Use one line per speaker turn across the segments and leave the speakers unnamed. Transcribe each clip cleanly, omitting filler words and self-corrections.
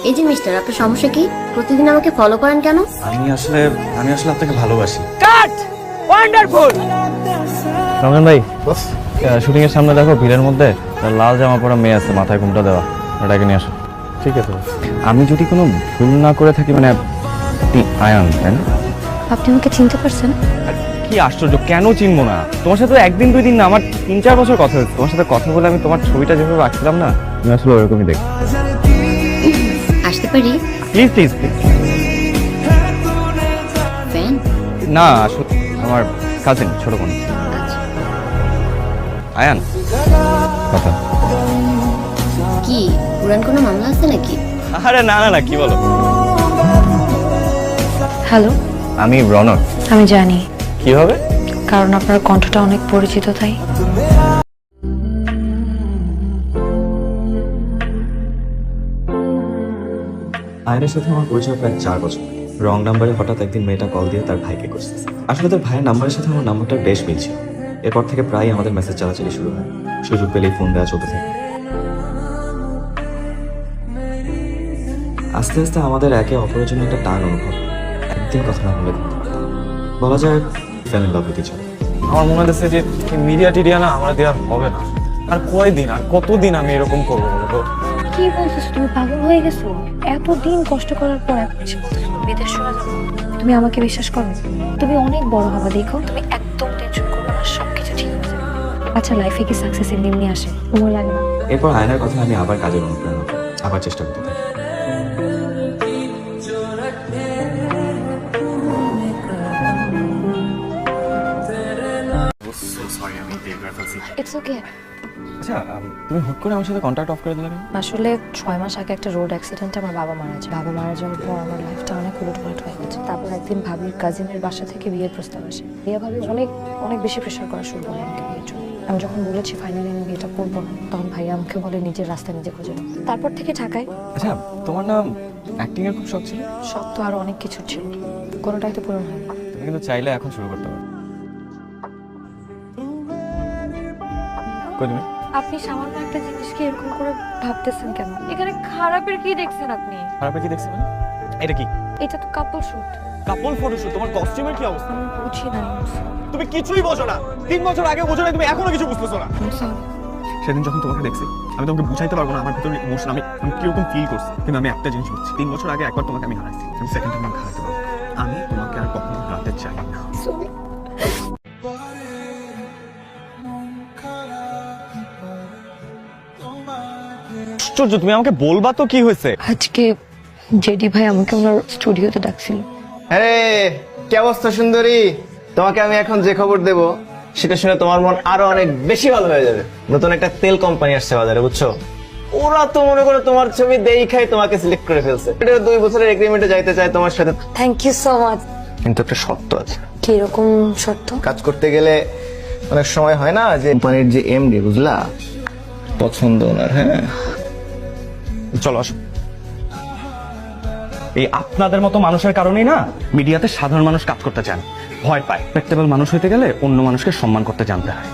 এই যে মিস্টার, আপনার সমস্যা কি? প্রতিদিন আমাকে ফলো করেন কেন?
আমি আসলে আপনাকে ভালোবাসি।
কাট ওয়ান্ডারফুল।
রমজান ভাই, শুটিং এর সামনে দেখো ভিড়ের মধ্যে লাল জামা পরা মেয়ে আছে, মাথায় ঘুমটা দেওয়া, এটাকে নিয়ে আসো। ঠিক আছে। আমি যদি কোনো ভুল না করে থাকি, মানে আপনি আয়ান, তাই না?
আপনি আমাকে চিনতে পারছেন?
কি আশ্চর্য, কেন চিনবো না? তোমার সাথে একদিন দুই দিন না, আমার 3-4 বছর কথা হয়েছে। তোমার সাথে কথা বলে আমি তোমার ছবিটা যেভাবে আঁকছিলাম না, তুমি আসলে ওরকমই দেখো।
আসতে পারি?
Please please please.
ফ্যান?
না, আসলে আমার কাজিন, ছোট বোন। আয়ান, কথা।
কি পুরান কোনো মামলা আছে নাকি?
আরে না না না, কি বলো?
হ্যালো,
আমি রনক।
আমি জানি,
কিভাবে?
কারণ আপনার কণ্ঠটা অনেক পরিচিত তাই।
আয়নের সাথে আমার পরিচয় প্রায় 4 বছর। রং নাম্বারে হঠাৎ একদিন মেয়েটা কল দিয়ে তার ভাইকে করছে। আসলে তার ভাইয়ের নাম্বারের সাথে আমার নাম্বারটা বেশ মিলছিল। এরপর থেকে প্রায় আমাদের মেসেজ চালাচালি শুরু হয়। সুযোগ পেলেই ফোন দেওয়া চলতে থাকে। আস্তে আস্তে আমাদের একে অপরের জন্য একটা টান অনুভব। একদিন কথা না বলে বলা যায় fan in love with each other.
আমার মনে হচ্ছে যে মিডিয়া টিডিয়া না আমার দেওয়া হবে না। আর কয়দিন, আর কতদিন আমি এরকম করবো বলতো?
কি বলছিস, তুমি পাগল হয়ে গেছো? এতদিন কষ্ট করার পর এখন এসে বলছো বিদেশ চলে যাবো। তুমি আমাকে বিশ্বাস করো, তুমি অনেক বড় হবে, দেখো তুমি একদম টেনশন করবে না, সবকিছু ঠিক হয়ে যাবে। আচ্ছা, লাইফে কি সাকসেস এমনি আসে? তোমার লাগে না?
এরপর আয়নার কথা আমি আবার কাজের অনুপ্রেরণা পাই। আবার চেষ্টা করতে থাকি।
It's okay.
আচ্ছা, তুমি হুট করে আমার সাথে কন্ট্যাক্ট অফ করে দিলে কেন?
আসলে 6 মাস আগে একটা রোড অ্যাক্সিডেন্টে আমার বাবা মারা যায়। বাবা মারা যাওয়ার পর আমার লাইফটা অনেক উলটপালট হয়ে গেছে। তারপর একদিন ভাবির কাজিনের বাসা থেকে বিয়ের প্রস্তাব আসে। বিয়ে ভাবি অনেক অনেক বেশি প্রেশার করা শুরু করে আমাকে বিয়ের জন্য। আমি যখন বলেছি ফাইনালি আমি বিয়েটা করবো না, তখন ভাইয়া আমাকে বলে নিজের রাস্তা নিজে খুঁজে নাও। তারপর থেকে ঢাকায়।
আচ্ছা, তোমার নাম অ্যাক্টিং এর খুব শখ ছিল?
সব তো আরো অনেক কিছু ছিল, কোনোটাই তো পূরণ হয়নি।
তুমি কিন্তু চাইলে এখন শুরু করতে পারো। কই তুমি?
আপনি সামান্য একটা জিনিসকে এরকম করে ভাবতেছেন কেন? এখানে খারাপের কি দেখছেন আপনি?
খারাপে কি দেখছি মানে? এটা কি?
এটা তো কাপল শুট।
কাপল ফটোশুট? তোমার কস্টিউমের কি অবস্থা?
আমি বুঝি না।
তুমি কিছুই বোঝো না। 3 বছর আগে বোঝো না, তুমি এখনো কিছু বুঝতেছো না। সেদিন যখন তোমাকে দেখছি, আমি তোমাকে বুঝাইতে পারবো না আমার ভিতরে ইমোশন, আমি কিরকম ফিল করছি। কিন্তু আমি একটা জিনিস বুঝছি, 3 বছর আগে একবার তোমাকে আমি হারাইছি, আমি সেকেন্ড টাইম হারাইতে পারবো। আমি তোমাকে আর কখনো হারাতে চাই না। আশ্চর্য, তুমি আমাকে বলবা তো কি হয়েছে?
আজকে জেডি ভাই আমাকে ওনার স্টুডিওতে ডাকছিল।
আরে কি অবস্থা সুন্দরী, তোমাকে আমি এখন যে খবর দেব সেটা শুনে তোমার মন আরো অনেক বেশি ভালো হয়ে যাবে। নতুন একটা তেল কোম্পানি আসছে বাজারে, বুঝছো? ওরা তো মনে করো তোমার ছবি দেখাই তোমাকে সিলেক্ট করে ফেলছে। এটা 2 বছরের এগ্রিমেন্টে যাইতে চায় তোমার সাথে।
Thank you so much.
কিন্তু একটা শর্ত আছে।
কি রকম শর্ত?
কাজ করতে গেলে অনেক সময় হয় না যে কোম্পানির যে এমডি, বুঝলা, পছন্দ ওনার। হ্যাঁ,
চলো আসো। এই আপনাদের মতো মানুষের কারণেই না মিডিয়াতে সাধারণ মানুষ কাজ করতে চান, ভয় পায়। রেসপেক্টেবল মানুষ হইতে গেলে অন্য মানুষকে সম্মান করতে জানতে হয়।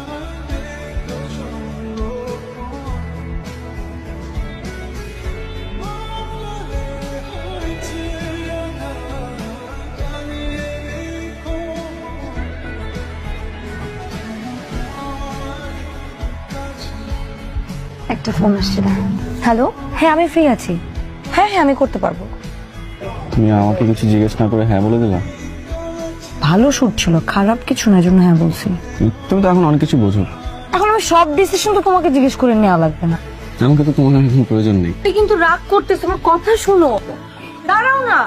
একটা ফোন আসছে। হ্যালো, হ্যাঁ আমি ফ্রি আছি। হ্যাঁ হ্যাঁ আমি করতে পারবো।
তুমি আমাকে কিছু জিজ্ঞেস না করে হ্যাঁ বলে দিলা?
ভালো শুট ছিল, খারাপ কিছু না, জন্য হ্যাঁ বলছি।
তুমি তো এখন অনেক কিছু বোঝো।
এখন আমি সব ডিসিশন তো তোমাকে জিজ্ঞেস করে নেওয়া লাগবে না।
আমাকে তো তোমার এখন প্রয়োজন নেই।
তুই কিন্তু রাগ করতেছ, আমার কথা শোনো। দাঁড়াও না।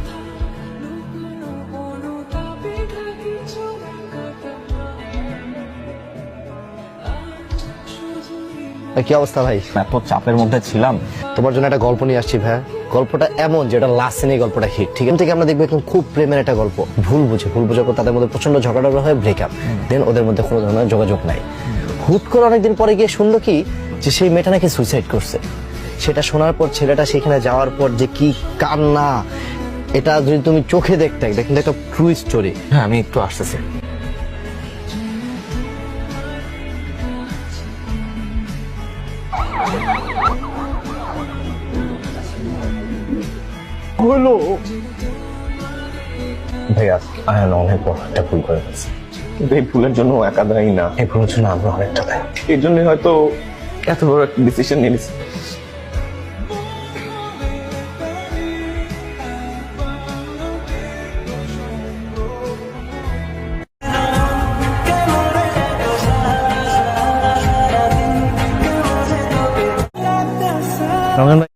কি অবস্থা ভাই?
এত চাপের মধ্যে ছিলাম।
তোমার জন্য একটা গল্প নিয়ে আসছি ভাই। গল্পটা এমন যেটা লাস্ট সিনে গল্পটা হিট। ঠিক আছে, থেকে আমরা দেখবো একদম খুব প্রেমের একটা গল্প। ভুল বুঝে পর তাদের মধ্যে প্রচন্ড ঝগড়া হয়, ব্রেকআপ। দেন ওদের মধ্যে কোনো ধরনের যোগাযোগ নাই। হুট করে অনেকদিন পরে গিয়ে শুনলো কি যে সেই মেয়েটা নাকি সুইসাইড করছে। সেটা শোনার পর ছেলেটা সেখানে যাওয়ার পর যে কি কান্না, এটা যদি তুমি চোখে দেখতে, এটা কিন্তু একটা ট্রু স্টোরি। হ্যাঁ, আমি একটু আসতেছি।
হলো?
ভাইয়া আয়ান অনেক বড় একটা ভুল করে ফেলছে,
কিন্তু এই ভুলের জন্য ও একা দায়ী না,
এই ভুলের জন্য আমরা অনেকটা দায়ী।
এর জন্য হয়তো এত বড় একটা ডিসিশন নিয়ে নিছে।
রমজান ভাই